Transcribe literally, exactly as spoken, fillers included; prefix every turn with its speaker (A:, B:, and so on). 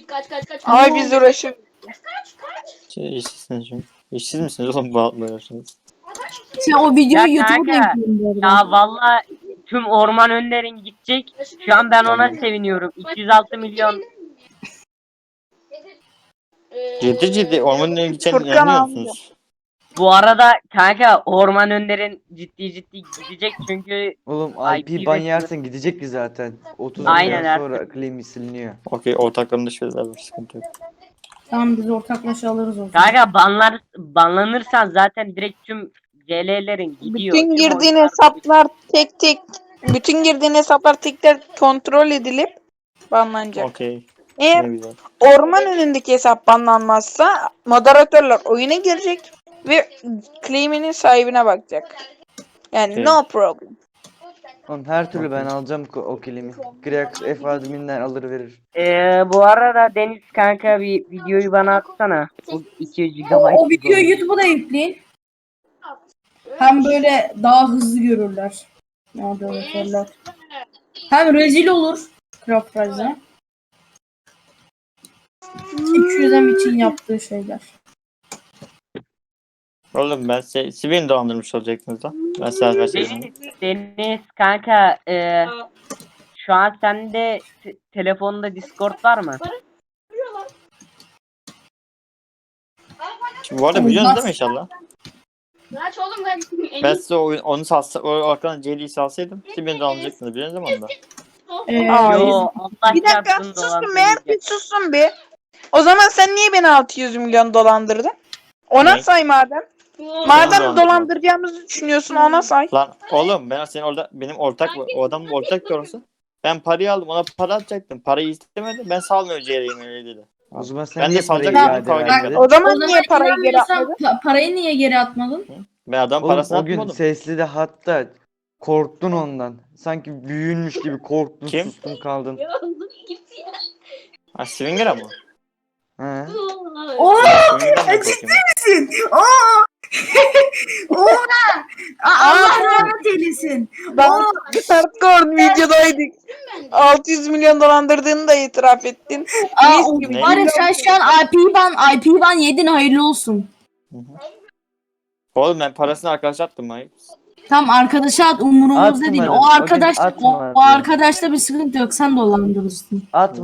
A: kaç kaç kaç.
B: Ay biz uğraşıyoruz.
A: Kaç kaç.
C: Şey, işsizsiniz çünkü. İşsiz misiniz oğlum bu altla uğraşıyorsunuz?
D: Sen o videoyu
E: Ya
D: YouTube'a da
E: kanka,
D: yükleyin bu arada.
E: Ya valla tüm orman önlerin gidecek. Şu an ben ona seviniyorum. iki yüz altı milyon.
A: Ee,
C: Ciddi ciddi ormanın önüne geçen
B: Furkan
C: inanmıyor
B: abi.
C: musunuz?
E: Bu arada kanka orman önlerin ciddi ciddi gidecek çünkü
F: Oğlum
E: I
F: I
E: P
F: P ban
E: bekliyor.
F: yersen gidecek ki zaten. otuz
E: Aynen
F: milyon
E: artık.
F: sonra claim siliniyor.
C: Okey ortaklarında şeyler var sıkıntı yok.
D: Tamam biz ortaklaşa alırız o zaman.
E: kanka banlar banlanırsan zaten direkt tüm C L'lerin gidiyor.
B: Bütün
E: Tüm
B: girdiğin
E: oyunlar-
B: hesaplar tek tek bütün girdiğin hesaplar tek tek kontrol edilip banlanacak.
C: Okey.
B: Eğer
C: Ne güzel.
B: orman önündeki hesap banlanmazsa moderatörler oyuna girecek ve claim'inin sahibine bakacak. Yani
C: Okey.
B: no problem.
F: Oğlum her türlü ben alacağım ko- o claim'i. Grex F admin'den alır verir.
E: Ee, bu arada Deniz kanka bir videoyu bana atsana. Bu iki yüz
D: O,
E: gigabayt.
D: o videoyu YouTube'a da yükleyin. Hem böyle daha hızlı görürler. Moderatörler. Hem rezil olur. Craft Rise'a. iki yüz M için yaptığı şeyler.
C: Oğlum ben size, siz beni dolandırmış olacaktınız lan. Ben size verseydim.
E: Deniz, Deniz kanka e, şu an sende te- telefonda Discord var mı?
C: Şimdi bu arada biliyorsunuz değil mi inşallah?
A: Kaç oğlum ben.
C: Ben size o, onu salsa, o arkadan C L'yi salsaydım siz beni dolandırıcıktınız biliyorsunuz değil mi onda?
D: Ee,
B: Aa,
E: Yo Allah
B: Bir dakika
E: çarpsın
B: susun be,
E: dolandırmayacak.
B: bir susun bir. O zaman sen niye beni altı yüz milyon dolandırdın? Ona
C: Ne?
B: say madem.
C: Dolandırdım.
B: Madem dolandıracağımızı düşünüyorsun ona say.
C: Lan oğlum ben senin orada benim ortak o adam ortak doğrusu. Ben parayı aldım ona para atacaktım. Parayı istemedi. Ben salmıyor C L'yi öyle dedi.
F: O zaman sen
C: Ben de
F: niye parayı
C: salacaktım,
F: iade
C: kavga
F: vermedin?
C: etmedim.
B: O zaman
D: O
B: niye
D: zaman
B: parayı geri
D: inanmıyorsan
B: atmadın?
D: pa- parayı niye geri atmadın?
C: Ben adam
F: Oğlum
C: parasını
F: o gün
C: atmadım.
F: sesli de hatta korktun ondan. Sanki büyünmüş gibi korktun,
C: Kim?
F: sustun kaldın.
A: Gitti ya.
C: Ha Swinger'a mı?
F: He.
D: Oo!
C: Swinger'dan da korkuyorum.
D: Oo! Oha! Allah rahmet eylesin.
B: Ben hardcore videodaydık. altı yüz milyon dolandırdığını da itiraf ettin.
D: Aa,
B: Mis
D: o-
B: gibi.
D: var ya sen şu an I P ban, I P ban yedin hayırlı olsun.
C: Oğlum ben parasını arkadaşa attım hayır.
D: Tam arkadaşa at umurumuzda değil.
F: Atmadım,
D: O
F: o gün
D: arkadaş o,
F: atmadım.
D: o arkadaşta bir sıkıntı yok. Sen dolandırırsın.
F: At